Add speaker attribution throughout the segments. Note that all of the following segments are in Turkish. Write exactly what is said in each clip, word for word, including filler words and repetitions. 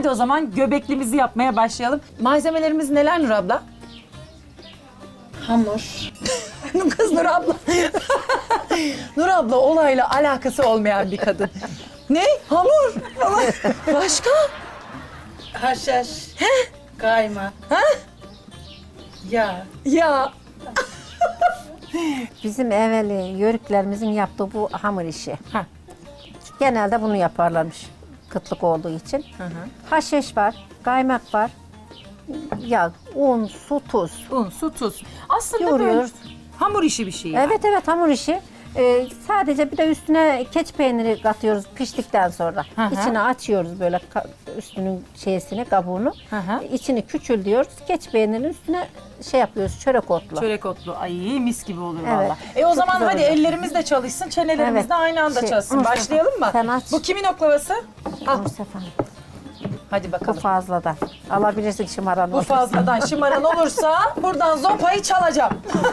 Speaker 1: Hadi o zaman göbeklimizi yapmaya başlayalım. Malzemelerimiz neler Nur abla?
Speaker 2: Hamur.
Speaker 1: Kız Nur abla. Nur abla olayla alakası olmayan bir kadın. Ne? Hamur. Başka?
Speaker 2: Haşhaş. Kaymak.
Speaker 1: Ha?
Speaker 2: Yağ.
Speaker 1: Ya.
Speaker 3: Bizim evveli yörüklerimizin yaptığı bu hamur işi.
Speaker 1: Ha.
Speaker 3: Genelde bunu yaparlarmış kıtlık olduğu için.
Speaker 1: Hı hı.
Speaker 3: Haşhaş var, kaymak var, yağ, un, su, tuz.
Speaker 1: Un, su, tuz. Aslında
Speaker 3: Yoğuruyoruz.
Speaker 1: böyle hamur işi bir şey. Yani.
Speaker 3: Evet evet hamur işi. Ee, sadece bir de üstüne keçi peyniri katıyoruz piştikten sonra.
Speaker 1: Hı hı.
Speaker 3: İçine açıyoruz böyle ka- üstünün şeysini, kabuğunu.
Speaker 1: Hı hı.
Speaker 3: İçini küçültüyoruz. Keçi peynirinin üstüne şey yapıyoruz, çörek otlu.
Speaker 1: Çörek otlu. Ay mis gibi olur
Speaker 3: Evet.
Speaker 1: valla. E o
Speaker 3: Çok
Speaker 1: zaman
Speaker 3: güzel
Speaker 1: hadi
Speaker 3: olur.
Speaker 1: ellerimiz de çalışsın, çenelerimiz
Speaker 3: Evet.
Speaker 1: de aynı anda
Speaker 3: Şey,
Speaker 1: çalışsın.
Speaker 3: Mustafa,
Speaker 1: Başlayalım mı?
Speaker 3: sen aç.
Speaker 1: Bu kimin oklavası? Al.
Speaker 3: Mustafa,
Speaker 1: Hadi
Speaker 3: bu
Speaker 1: bakalım.
Speaker 3: fazladan. Alabilirsin şımaran.
Speaker 1: Bu fazladan şımaran olursa buradan zopayı çalacağım.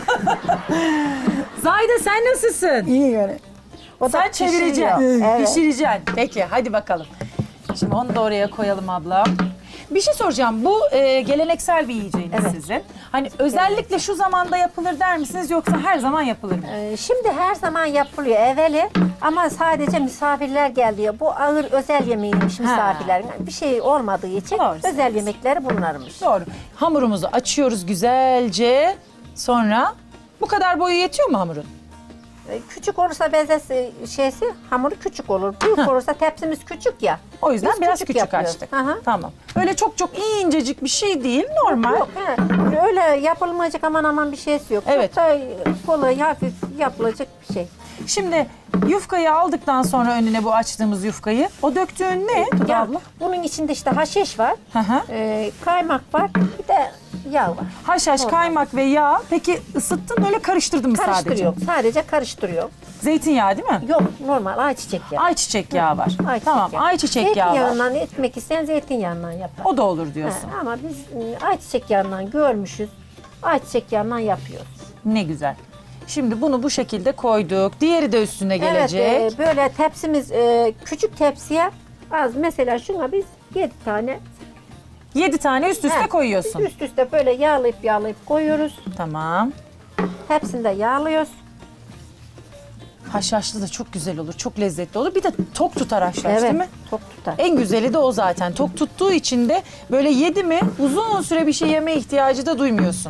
Speaker 1: Zahide sen nasılsın?
Speaker 2: İyi yani.
Speaker 3: O da
Speaker 1: Sen çevireceksin,
Speaker 3: pişiriyor. Evet.
Speaker 1: pişireceksin. Peki hadi bakalım. Şimdi onu da oraya koyalım ablam. Bir şey soracağım. Bu e, geleneksel bir yiyeceğiniz
Speaker 3: Evet.
Speaker 1: sizin. Hani özellikle şu zamanda yapılır der misiniz yoksa her zaman yapılır mı?
Speaker 3: Ee, Şimdi her zaman yapılıyor evveli ama sadece misafirler geldiği bu ağır özel yemeğiymiş misafirlerin. Bir şey olmadığı için
Speaker 1: Doğru
Speaker 3: özel
Speaker 1: söylüyorsun.
Speaker 3: yemekleri bunlarmış.
Speaker 1: Doğru. Hamurumuzu açıyoruz güzelce. Sonra bu kadar boyu yetiyor mu hamurun?
Speaker 3: Ee, Küçük olursa bezesi şeysi hamuru küçük olur. Büyük olursa tepsimiz küçük ya.
Speaker 1: O yüzden
Speaker 3: Biz
Speaker 1: biraz küçük,
Speaker 3: yapıyoruz.
Speaker 1: açtık.
Speaker 3: Hı hı.
Speaker 1: Tamam. Öyle çok çok incecik bir şey değil, normal.
Speaker 3: Yok he. Öyle yapılmayacak aman aman bir şeysi yok.
Speaker 1: Evet.
Speaker 3: Çok da kolay hafif yapılacak bir şey.
Speaker 1: Şimdi yufkayı aldıktan sonra önüne bu açtığımız yufkayı, o döktüğün ne Tuba
Speaker 3: Ya,
Speaker 1: abla?
Speaker 3: bunun içinde işte haşiş var,
Speaker 1: Hı hı.
Speaker 3: e, kaymak var, bir de yağ var.
Speaker 1: Haşhaş,
Speaker 3: Normal.
Speaker 1: kaymak ve yağ. Peki ısıttın öyle karıştırdın mı sadece?
Speaker 3: Karıştırıyor. Sadece karıştırıyor.
Speaker 1: Zeytinyağı değil mi?
Speaker 3: Yok normal ayçiçek yağı.
Speaker 1: Ayçiçek yağı var.
Speaker 3: Ayçiçek
Speaker 1: Tamam,
Speaker 3: yağı.
Speaker 1: ayçiçek yağı var.
Speaker 3: Zeytinyağından etmek isteyen zeytinyağından yapar.
Speaker 1: O da olur
Speaker 3: He,
Speaker 1: diyorsun.
Speaker 3: ama biz e, ayçiçek yağından görmüşüz. Ayçiçek yağından yapıyoruz.
Speaker 1: Ne güzel. Şimdi bunu bu şekilde koyduk. Diğeri de üstüne gelecek.
Speaker 3: Evet e, böyle tepsimiz e, küçük tepsiye az mesela şuna biz yedi tane
Speaker 1: Yedi tane üst üste
Speaker 3: he,
Speaker 1: koyuyorsun.
Speaker 3: Üst üste böyle yağlayıp yağlayıp koyuyoruz.
Speaker 1: Tamam.
Speaker 3: Hepsini de yağlıyoruz.
Speaker 1: Haşhaşlı da çok güzel olur. Çok lezzetli olur. Bir de tok tutar haşhaş
Speaker 3: Evet.
Speaker 1: değil mi?
Speaker 3: Çok tutar.
Speaker 1: En güzeli de o zaten. Tok tuttuğu için de böyle yedi mi uzun süre bir şey yeme ihtiyacı da duymuyorsun.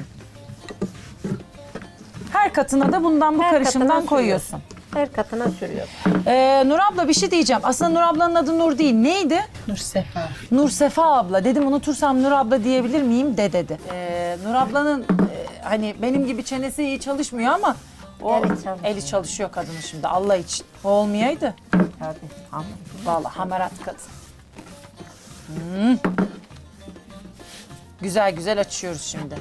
Speaker 1: Her katına da bundan bu
Speaker 3: Her
Speaker 1: karışımdan
Speaker 3: katına
Speaker 1: koyuyorsun.
Speaker 3: Her katına sürüyoruz.
Speaker 1: Ee, Nur abla bir şey diyeceğim. Aslında Nur ablanın adı Nur değil. Neydi?
Speaker 2: Nur Sefa.
Speaker 1: Nur Sefa abla. Dedim unutursam Nur abla diyebilir miyim? De dedi. Ee, Nur ablanın e, hani benim gibi çenesi iyi çalışmıyor ama o
Speaker 3: Eli çalışıyor.
Speaker 1: eli çalışıyor kadının şimdi Allah için. O olmayaydı.
Speaker 3: Tabii. Hamur.
Speaker 1: Vallahi hamarat kadın. Hmm. Güzel güzel açıyoruz şimdi.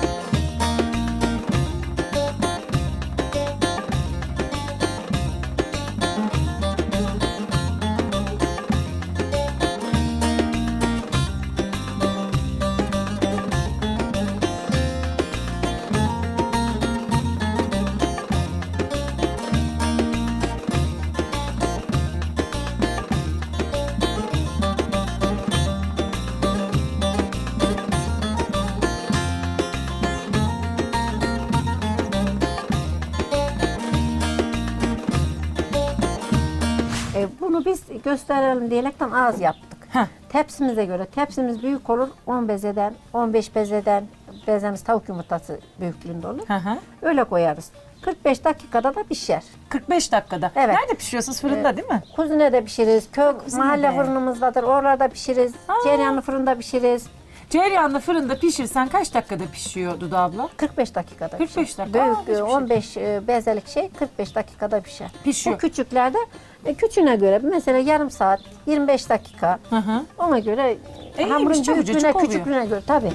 Speaker 3: E, bunu biz gösterelim diyerekten az yaptık.
Speaker 1: Heh.
Speaker 3: Tepsimize göre tepsimiz büyük olur on bezeden, on beş bezeden bezemiz tavuk yumurtası büyüklüğünde olur.
Speaker 1: Hı hı.
Speaker 3: Öyle koyarız. kırk beş dakikada da pişer.
Speaker 1: kırk beş dakikada.
Speaker 3: Evet.
Speaker 1: Nerede pişiriyorsunuz? Fırında değil mi?
Speaker 3: Kuzinede pişiririz. Kök
Speaker 1: Kuzinede.
Speaker 3: mahalle fırınımızdadır. Oralarda pişiririz. Cereyanlı fırında pişiririz.
Speaker 1: Cereyanlı fırında pişirsen kaç dakikada pişiyor Dudu abla?
Speaker 3: kırk beş dakikada
Speaker 1: kırk beş
Speaker 3: pişer.
Speaker 1: dakika. Aa,
Speaker 3: Büyük
Speaker 1: hiçbir
Speaker 3: e,
Speaker 1: şey.
Speaker 3: on beş e, bezelik şey kırk beş dakikada pişer.
Speaker 1: Pişiyor.
Speaker 3: Bu küçüklerde e, küçüğüne göre mesela yarım saat, yirmi beş dakika.
Speaker 1: Hı hı.
Speaker 3: Ona göre
Speaker 1: E, iyiymiş,
Speaker 3: hamurun
Speaker 1: çabucacık
Speaker 3: büyüklüğüne,
Speaker 1: oluyor.
Speaker 3: küçüklüğüne göre tabii.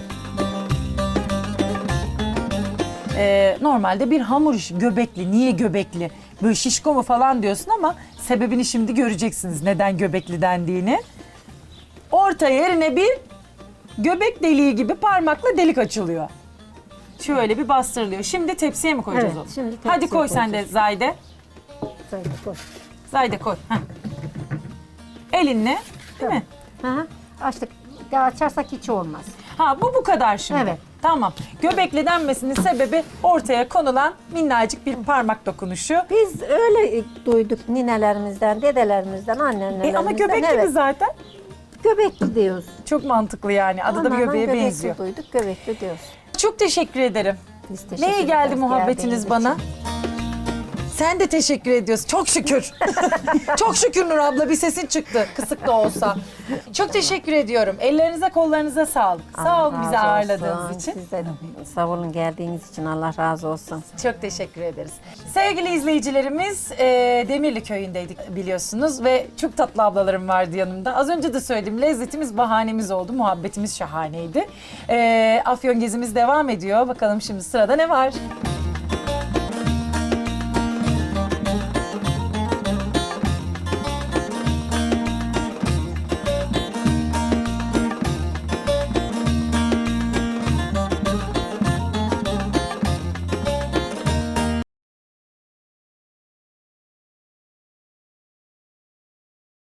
Speaker 1: Ee, normalde bir hamur işi göbekli. Niye göbekli? Böyle şişko mu falan diyorsun ama sebebini şimdi göreceksiniz neden göbekli dendiğini. Orta yerine bir göbek deliği gibi parmakla delik açılıyor. Şöyle bir bastırılıyor. Şimdi tepsiye mi koyacağız
Speaker 3: Evet,
Speaker 1: onu?
Speaker 3: şimdi tepsiye
Speaker 1: Hadi koy sen de
Speaker 3: koyacağız.
Speaker 1: Zahide.
Speaker 3: Şöyle koy.
Speaker 1: Zahide koy. Heh. Elinle değil mi?
Speaker 3: Hı hı. Açtık. Göbekli açarsak hiç olmaz.
Speaker 1: Ha bu bu kadar şimdi.
Speaker 3: Evet.
Speaker 1: Tamam. Göbekli denmesinin sebebi ortaya konulan minnacık bir parmak dokunuşu.
Speaker 3: Biz öyle duyduk ninelerimizden, dedelerimizden, annelerimizden.
Speaker 1: E ama göbekli
Speaker 3: evet.
Speaker 1: mi zaten?
Speaker 3: Göbekli diyoruz.
Speaker 1: Çok mantıklı yani. Adı da bir
Speaker 3: Onlardan
Speaker 1: göbeğe
Speaker 3: göbekli
Speaker 1: benziyor.
Speaker 3: duyduk, göbekli diyoruz.
Speaker 1: Çok teşekkür ederim.
Speaker 3: Biz teşekkür
Speaker 1: Neye geldi
Speaker 3: ederiz
Speaker 1: muhabbetiniz
Speaker 3: geldiğiniz
Speaker 1: bana?
Speaker 3: için.
Speaker 1: Sen de teşekkür ediyorsun. Çok şükür. Çok şükür Nur abla bir sesin çıktı. Kısık da olsa. Çok teşekkür ediyorum. Ellerinize kollarınıza sağlık. Sağ
Speaker 3: Allah
Speaker 1: olun bizi
Speaker 3: razı
Speaker 1: ağırladığınız
Speaker 3: olsun.
Speaker 1: için.
Speaker 3: Siz de sağ olun geldiğiniz için Allah razı olsun.
Speaker 1: Çok teşekkür ederiz. Sevgili izleyicilerimiz, e, Demirli köyündeydik biliyorsunuz ve çok tatlı ablalarım vardı yanımda. Az önce de söyledim, lezzetimiz bahanemiz oldu, muhabbetimiz şahaneydi. E, Afyon gezimiz devam ediyor. Bakalım şimdi sırada ne var?